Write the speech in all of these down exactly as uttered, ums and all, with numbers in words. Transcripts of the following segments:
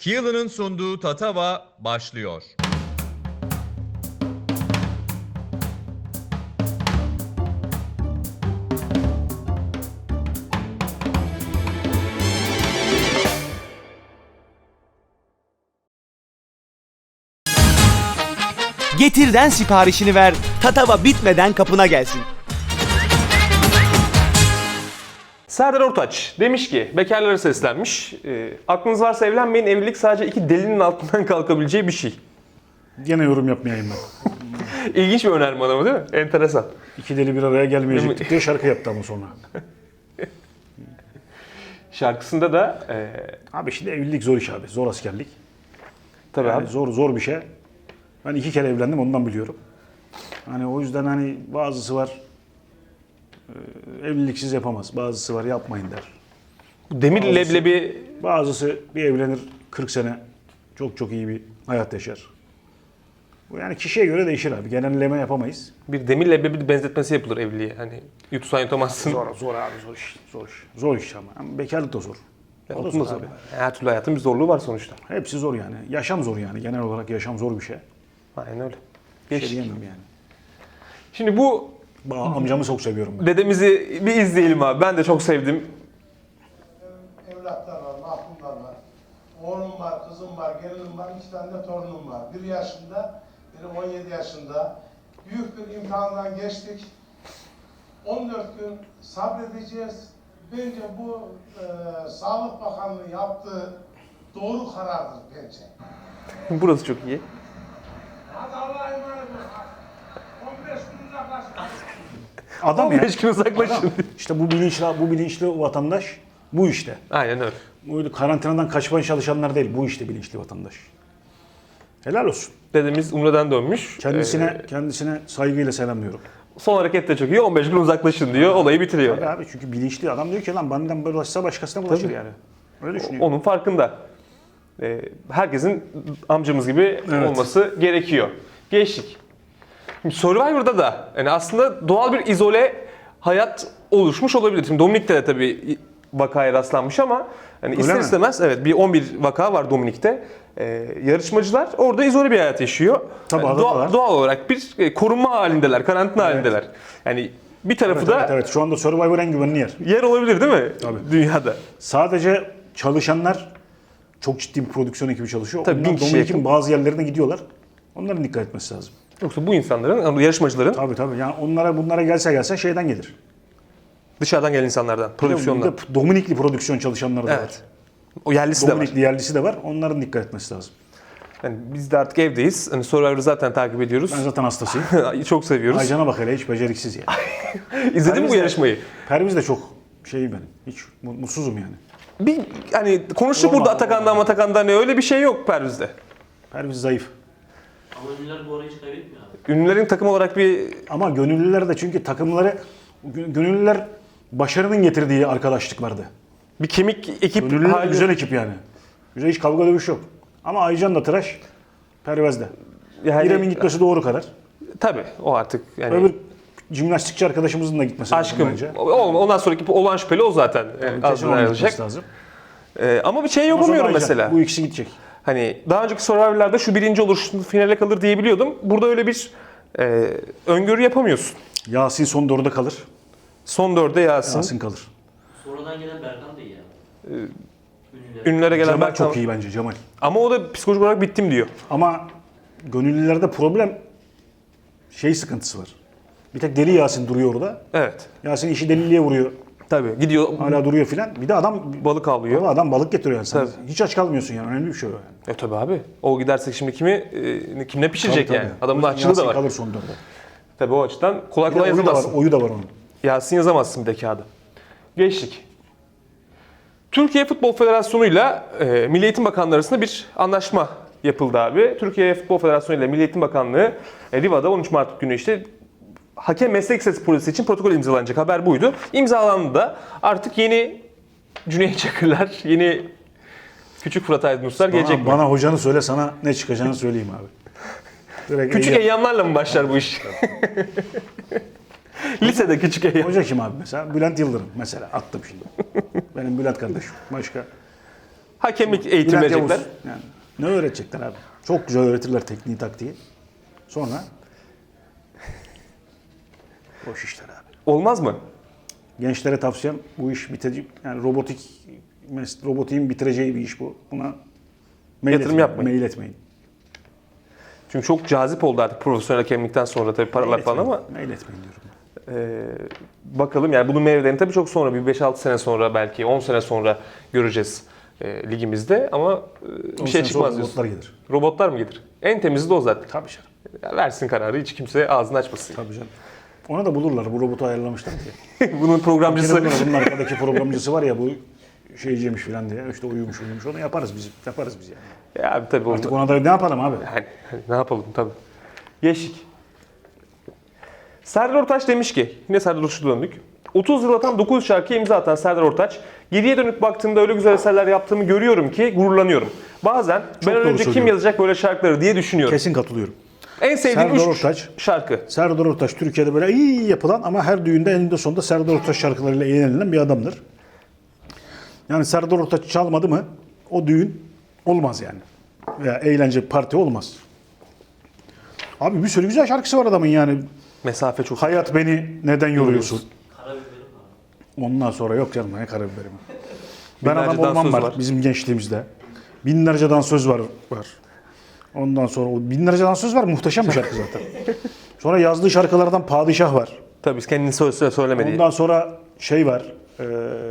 Keelan'ın sunduğu Tatava başlıyor. Getir'den siparişini ver, Tatava bitmeden kapına gelsin. Serdar Ortaç demiş ki, bekarlara seslenmiş. E, aklınız varsa evlenmeyin, evlilik sadece iki delinin altından kalkabileceği bir şey. Gene yorum yapmayayım ben. İlginç bir önerme adamı değil mi? Enteresan. İki deli bir araya gelmeyecektik diye şarkı yaptı ama sonra. Şarkısında da e, Abi şimdi evlilik zor iş abi. Zor askerlik. tabii Yani abi. zor zor bir şey. Ben iki kere evlendim ondan biliyorum. Hani o yüzden hani bazısı var e, evliliksiz yapamaz. Bazısı var yapmayın der. Demir Bazısı- leblebi Bazısı bir evlenir kırk sene çok çok iyi bir hayat yaşar. Bu yani kişiye göre değişir abi. Genelleme yapamayız. bir demir leblebi benzetmesi yapılır evliliğe. Hani yutsan yutamazsın. Zor, zor abi zor iş. Zor iş. Zor iş ama. Ama bekarlık da zor. Ya, O da unutma zor abi. abi. Her türlü hayatın bir zorluğu var sonuçta. Hepsi zor yani. Yaşam zor yani. Genel olarak yaşam zor bir şey. Aynen öyle. Bir Geç. şey diyemem yani. Şimdi bu Ba- Amcamı çok seviyorum ben. dedemizi bir izleyelim abi. Ben de çok sevdim. Evlatlar var, mahkumlar var. Oğlum var, kızım var, gelinim var, iki tane de torunum var. Bir yaşında, biri on yedi yaşında. Büyük bir imtihandan geçtik. on dört gün sabredeceğiz. Bence bu e, Sağlık Bakanlığı yaptığı doğru karardır bence. Burası çok iyi. Hadi Allah'a emanet olun. on beş gün uzaklaşın. Adam ya. beş gün uzaklaşın. Adam. İşte bu bilinçli, bu bilinçli vatandaş bu işte. Aynen öyle. Bu karantinadan kaçmaya çalışanlar değil. Bu işte bilinçli vatandaş. Helal olsun. Dedemiz Umre'den dönmüş. Kendisine Ee, kendisine saygıyla selamlıyorum. son hareket de çok iyi. on beş gün uzaklaşın diyor. Olayı bitiriyor. Tabii abi çünkü bilinçli adam diyor ki lan benden bulaşsa başkasına bulaşır Tabii. yani. Öyle düşünüyor. Onun farkında. Ee, herkesin amcamız gibi Evet. olması gerekiyor. Geçtik. Şimdi Survivor'da da yani aslında doğal bir izole hayat oluşmuş olabilir. Şimdi Dominik'te de tabii vakaya rastlanmış ama yani ister mi? istemez evet bir on bir vaka var Dominik'te. Ee, yarışmacılar orada izole bir hayat yaşıyor. Tabii, Yani adada doğal, var. doğal olarak bir e, korunma halindeler, karantina halindeler. Yani bir tarafı Evet, da evet, evet. Şu anda Survivor en güvenli yer. yer olabilir değil mi? Tabii. Dünyada. Sadece çalışanlar çok ciddi bir prodüksiyon ekibi çalışıyor. Tabii, bin Onlar kişi Dominik'in yakın. bazı yerlerine gidiyorlar. Onların dikkat etmesi lazım. Yoksa bu insanların, yarışmacıların Tabii tabii. Yani onlara bunlara gelse gelse şeyden gelir. dışarıdan gelen insanlardan, prodüksiyondan. Bir de Dominikli prodüksiyon çalışanları da var. Evet. O yerlisi de var. Dominikli yerlisi de var. Onların dikkat etmesi lazım. Yani biz de artık evdeyiz. Hani Survivor'ı zaten takip ediyoruz. Ben zaten hastasıyım. Çok seviyoruz. Aycan'a bak hele hiç beceriksiz yani. İzledin mi Perviz bu de- yarışmayı? Perviz de çok şey benim. Hiç mu- mutsuzum yani. Bir hani konuştuk Olmaz, burada Atakan'dan olmaz. Atakan'dan ne öyle bir şey yok Perviz'de. Perviz zayıf. Ama ünlüler bu arayı hiç kaybetmiyor abi. Ünlülerin takım olarak bir Ama gönüllüler de çünkü takımları gö- gönüllüler başarının getirdiği arkadaşlıklardı. bir kemik ekip Gönüllüler hali. güzel ekip yani. Güzel hiç kavga dövüş yok. Ama Aycan da tıraş, Pervez de. Yani, İrem'in gitmesi doğru kadar. tabii o artık yani Öbür jimnastikçi arkadaşımızın da gitmesi lazım aşkım. bence. O- Ondan sonraki olan şüpheli o zaten. Yani Kesin ağzından onun ayrılacak. gitmesi lazım. Ee, ama bir şey Ama sonra yapamıyorum Aycan, mesela. Bu ikisi gidecek. Hani daha önceki Survivor'larda şu birinci olur, şu finale kalır diyebiliyordum. Burada öyle bir e, öngörü yapamıyorsun. Yasin son dörde kalır. Son dörde Yasin. Yasin kalır. Sonradan gelen Berkan da iyi abi. Ünlüler. Ünlülere gelen Cemal Berkan. çok iyi bence Cemal. Ama o da psikolojik olarak bittim diyor. Ama gönüllülerde problem şey sıkıntısı var. Bir tek deli Yasin duruyor orada. Evet. Yasin işi deliliğe vuruyor. Tabii. Gidiyor Hala duruyor filan. Bir de adam balık avlıyor. Ama adam balık getiriyor yani. Sen Tabii. hiç aç kalmıyorsun yani. Önemli bir şey o yani. E tabii abi. O gidersek şimdi kimi e, kimle pişirecek Tabii, yani? tabii. Adamın O yüzden açlığı da Yasin var. kalır son dörde. Tabii o açıdan kolay Bir de kolay oyu da var, yazamazsın. oyu da var onun. Yasin yazamazsın bir de kağıda. Geçtik. Türkiye Futbol Federasyonu'yla e, Milli Eğitim Bakanlığı arasında bir anlaşma yapıldı abi. Türkiye Futbol Federasyonu ile Milli Eğitim Bakanlığı e, Riva'da on üç Mart günü işte hakem meslek lisesi projesi için protokol imzalanacak, haber buydu. İmzalandı da artık yeni Cüneyt Çakırlar, yeni Küçük Fırat Aydınuslar gelecek Bana, mi? bana hocanı söyle sana ne çıkacağını söyleyeyim abi. Direkt Küçük eyyam- eyyamlarla mı başlar bu iş? Lisede küçük eyyam. Hoca kim abi mesela? Bülent Yıldırım mesela. Attım şimdi. Benim Bülent kardeşim. Başka. Hakemlik eğitimi Bülent verecekler. Yavuz. Yani ne öğretecekler abi? Çok güzel öğretirler tekniği, taktiği. Sonra boş işler abi. Olmaz mı? Gençlere tavsiyem bu iş bitecek. Yani robotik mes- robotiğin bitireceği bir iş bu. Buna mail Yatırım etmeyin, yapmayın. Mail etmeyin. Çünkü çok cazip oldu artık profesyonel hakemlikten sonra tabii paralar Mail falan etmeyin. ama Mail etmeyin diyorum. e, bakalım yani bunun meyvelerini tabii çok sonra bir beş altı sene sonra belki on sene sonra göreceğiz e, ligimizde ama e, bir On şey sene çıkmaz sonra diyorsun. robotlar gelir. Robotlar mı gelir? En temizi de o zaten. Tabii canım. Ya versin kararı hiç kimse ağzını açmasın. Tabii canım. Ona da bulurlar. Bu robotu ayarlamışlar diye. Bunun programcısı Yine bunun, bunun arkadaki programcısı var ya, bu şeyciymiş falan diye. İşte uyumuş uyumuş. Onu yaparız biz. Yaparız biz yani. ya abi tabii onu- Artık ona da ne yapalım abi? Yani, hani ne yapalım tabii. Geçtik. Serdar Ortaç demiş ki, yine Serdar Ortaç'a döndük. otuz yıl atan dokuz şarkıya imza atan Serdar Ortaç, geriye dönüp baktığımda öyle güzel eserler yaptığımı görüyorum ki gururlanıyorum. Bazen ben doğru önce kim söylüyorum. yazacak böyle şarkıları diye düşünüyorum. Kesin katılıyorum. En sevdiğim Serdar üç Ortaç. şarkı. Serdar Ortaç Türkiye'de böyle iyi yapılan ama her düğünde eninde sonunda Serdar Ortaç şarkılarıyla eğlenilen bir adamdır. Yani Serdar Ortaç çalmadı mı o düğün olmaz yani. Veya eğlence parti olmaz. Abi bir sürü güzel şarkısı var adamın yani. Mesafe çok. Hayat beni neden yoruyorsun? Karabiberim var. Ondan sonra yok canım ne karabiberim. Ben Binlerce adam olmam dansöz var, var. bizim gençliğimizde. Binlerce dansöz var. var. Ondan sonra o binlerce dansöz var, muhteşem bir şarkı zaten. Sonra yazdığı şarkılardan Padişah var. Tabii kendini söyle söylemediği. Ondan sonra şey var. eee,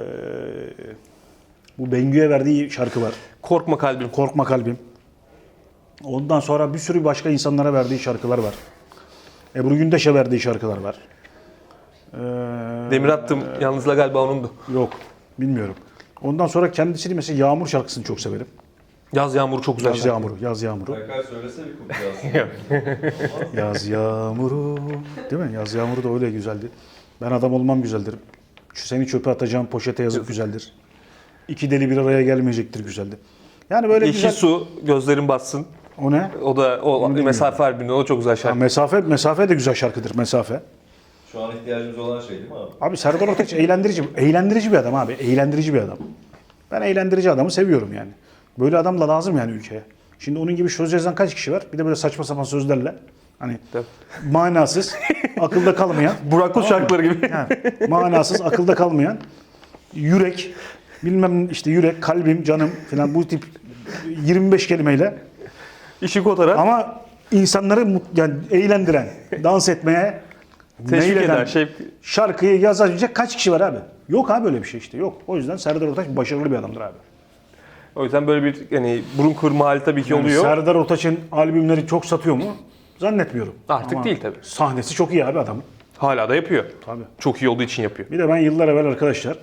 bu Bengü'ye verdiği şarkı var. Korkma kalbim. Korkma kalbim. Ondan sonra bir sürü başka insanlara verdiği şarkılar var. Ebru Gündeş'e verdiği şarkılar var. Eee, Demir attım. Yalnızla galiba onundu. Yok, bilmiyorum. Ondan sonra kendisini mesela Yağmur şarkısını çok severim. Yaz yağmuru çok güzel Yaz şarkı. Yağmuru, Yaz Yağmuru. Berkay söylese bir kumcu Yaz Yağmuru. Değil mi? Yaz Yağmuru da öyle güzeldi. Ben adam olmam güzeldir. Şu seni çöpe atacağım poşete yazıp güzeldir. İki deli bir araya gelmeyecektir güzeldi. Yani böyle Yeşil güzel. su, gözlerin batsın. O ne? O da o mesafe albümünde o çok güzel Ha, şarkı. mesafe, mesafe de güzel şarkıdır, mesafe. Şu an ihtiyacımız olan şey değil mi abi? Abi Serdar Ortaç eğlendirici, eğlendirici bir adam abi. Eğlendirici bir adam. Ben eğlendirici adamı seviyorum yani. Böyle adam da lazım yani ülkeye. Şimdi onun gibi söz yazan kaç kişi var? Bir de böyle saçma sapan sözlerle. Hani Tabii. manasız, akılda kalmayan. Burak Kut şarkıları gibi. Yani manasız, akılda kalmayan. Yürek, bilmem işte yürek, kalbim, canım falan bu tip yirmi beş kelimeyle. İşi kotaran. Ama insanları mut- yani eğlendiren, dans etmeye Teşvik meyleden, eder, şey- şarkıyı yazabilecek kaç kişi var abi? Yok abi öyle bir şey işte yok. O yüzden Serdar Ortaç başarılı bir adamdır abi. O yüzden böyle bir yani burun kırma hali tabii ki Yani oluyor. Serdar Ortaç'ın albümleri çok satıyor mu? Zannetmiyorum. Artık Ama değil tabii. Sahnesi çok iyi abi adamın. Hala da yapıyor. Tabii. Çok iyi olduğu için yapıyor. Bir de ben yıllar evvel arkadaşlar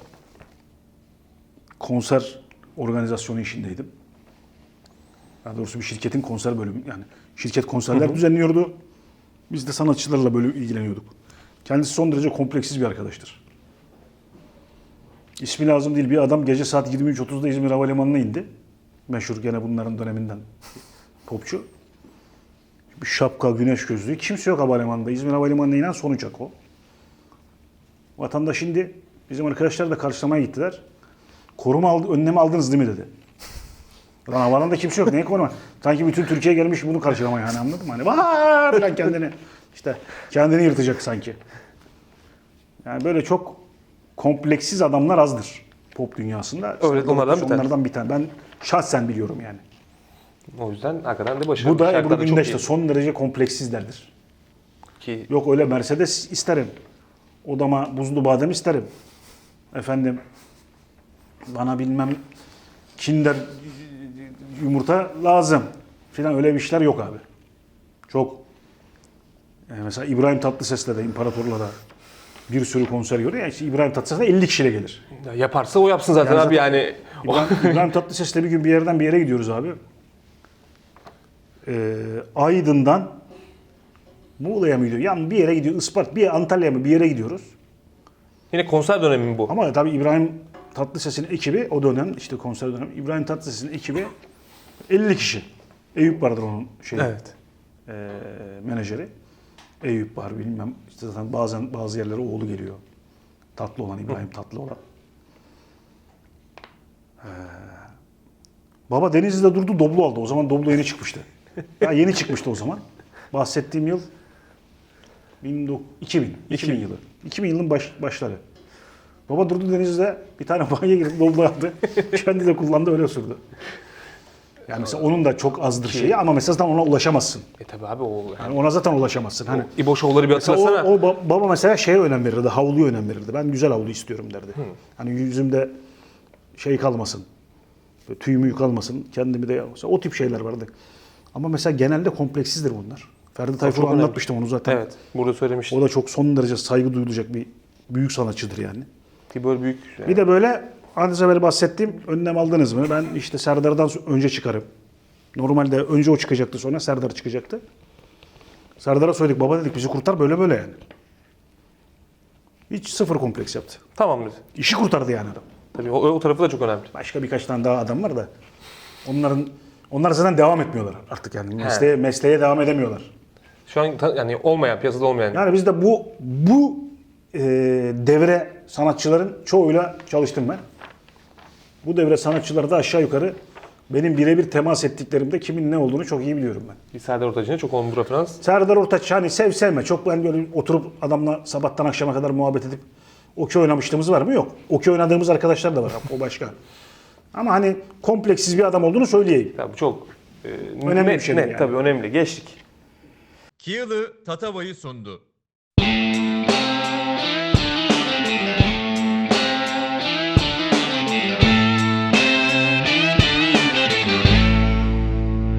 konser organizasyonu işindeydim. Daha doğrusu bir şirketin konser bölümü yani şirket konserler düzenliyordu. Biz de sanatçılarla böyle ilgileniyorduk. Kendisi son derece kompleksiz bir arkadaştır. İsmi lazım değil bir adam gece saat yirmi üç otuzda İzmir Havalimanı'na indi. Meşhur gene bunların döneminden popçu. Bir şapka, güneş gözlüğü. Kimse yok havalimanında. İzmir Havalimanı'na inen son uçak o. Vatandaş indi. Bizim arkadaşlar da karşılamaya gittiler. Koruma aldı, önlemi aldınız değil mi dedi. Lan havalarında kimse yok. Neye koruma? Sanki bütün Türkiye gelmiş bunu karşılamaya hani anladın mı? Hani var falan kendini işte kendini yırtacak sanki. Yani böyle çok kompleksiz adamlar azdır pop dünyasında. Öyle, onlardan bir tanesi. onlardan bir tane. Ben şahsen biliyorum yani. O yüzden hakikaten de başarılı. Bu da Şarkılar Ebru çok Gündeş iyi. de son derece kompleksizlerdir. Ki Yok öyle Mercedes isterim. Odama buzlu badem isterim. Efendim bana bilmem Kinder yumurta lazım filan öyle bir işler yok abi. Çok yani mesela İbrahim Tatlıses'le de İmparator'la da bir sürü konser görüyor. Yani işte İbrahim Tatlıses de elli kişiyle gelir. ya yaparsa o yapsın zaten Yani abi zaten- yani. İbrahim, İbrahim Tatlıses'le bir gün bir yerden bir yere gidiyoruz abi. Ee, Aydın'dan Muğla'ya mı gidiyor? Yani bir yere gidiyor. Ispart, bir Antalya'ya mı bir yere gidiyoruz. Yine konser dönemi mi bu? Ama tabii İbrahim Tatlıses'in ekibi o dönem işte konser dönemi İbrahim Tatlıses'in ekibi elli kişi. Eyüp vardır onun şeyi. Evet. eee, menajeri. Eyüp var bilmem. İşte zaten bazen bazı yerlere oğlu geliyor. Tatlı olan İbrahim Tatlı olan. Ee, Baba Denizli'de durdu, Doblo aldı. O zaman Doblo yeni çıkmıştı. Ya yeni çıkmıştı o zaman. Bahsettiğim yıl bin dokuz- iki bin. iki bin yılı. iki bin yılın baş, başları. Baba durdu Denizli'de bir tane banyo girip Doblo aldı. Kendi de kullandı, öyle sürdü. Yani mesela onun da çok azdır şeyi ama mesela zaten ona ulaşamazsın. E tabi abi o yani. Yani ona zaten ulaşamazsın. Hani İbo Show'ları bir mesela hatırlasana. o, o ba- baba mesela şeye önem verirdi, havluya önem verirdi. Ben güzel havlu istiyorum derdi. Hani yüzümde şey kalmasın, böyle tüy müyü kalmasın, kendimi de mesela o tip şeyler vardı. Ama mesela genelde kompleksizdir bunlar. Ferdi Tayfur'a çok önemli. anlatmıştım onu zaten. Evet. Burada söylemiştim. O da çok son derece saygı duyulacak bir büyük sanatçıdır yani. Ki böyle büyük. Yani. Bir de böyle az evvel bahsettiğim önlem aldınız mı? Ben işte Serdar'dan önce çıkarım. Normalde önce o çıkacaktı, sonra Serdar çıkacaktı. Serdar'a söyledik, baba dedik bizi kurtar, böyle böyle yani. Hiç sıfır kompleks yaptı. Tamam dedi. İşi kurtardı yani adam. Tabii o, o tarafı da çok önemli. Başka birkaç tane daha adam var da onların onlar zaten devam etmiyorlar artık yani. Mesleğe, mesleğe devam edemiyorlar. Şu an ta- yani olmayan, piyasada olmayan. Yani biz de bu bu e, devre sanatçıların çoğuyla çalıştım ben. Bu devre sanatçıları da aşağı yukarı benim birebir temas ettiklerimde kimin ne olduğunu çok iyi biliyorum ben. Bir Serdar Ortaç'ın çok olumlu referans. Serdar Ortaç hani sev sevme. Çok ben böyle oturup adamla sabahtan akşama kadar muhabbet edip okey oynamışlığımız var mı? Yok. Okey oynadığımız arkadaşlar da var. O başka. Ama hani kompleksiz bir adam olduğunu söyleyeyim. Ya bu çok e, Önemli net, bir şeydir net, yani. tabii önemli. Geçtik. Kiyalı Tatava'yı sundu.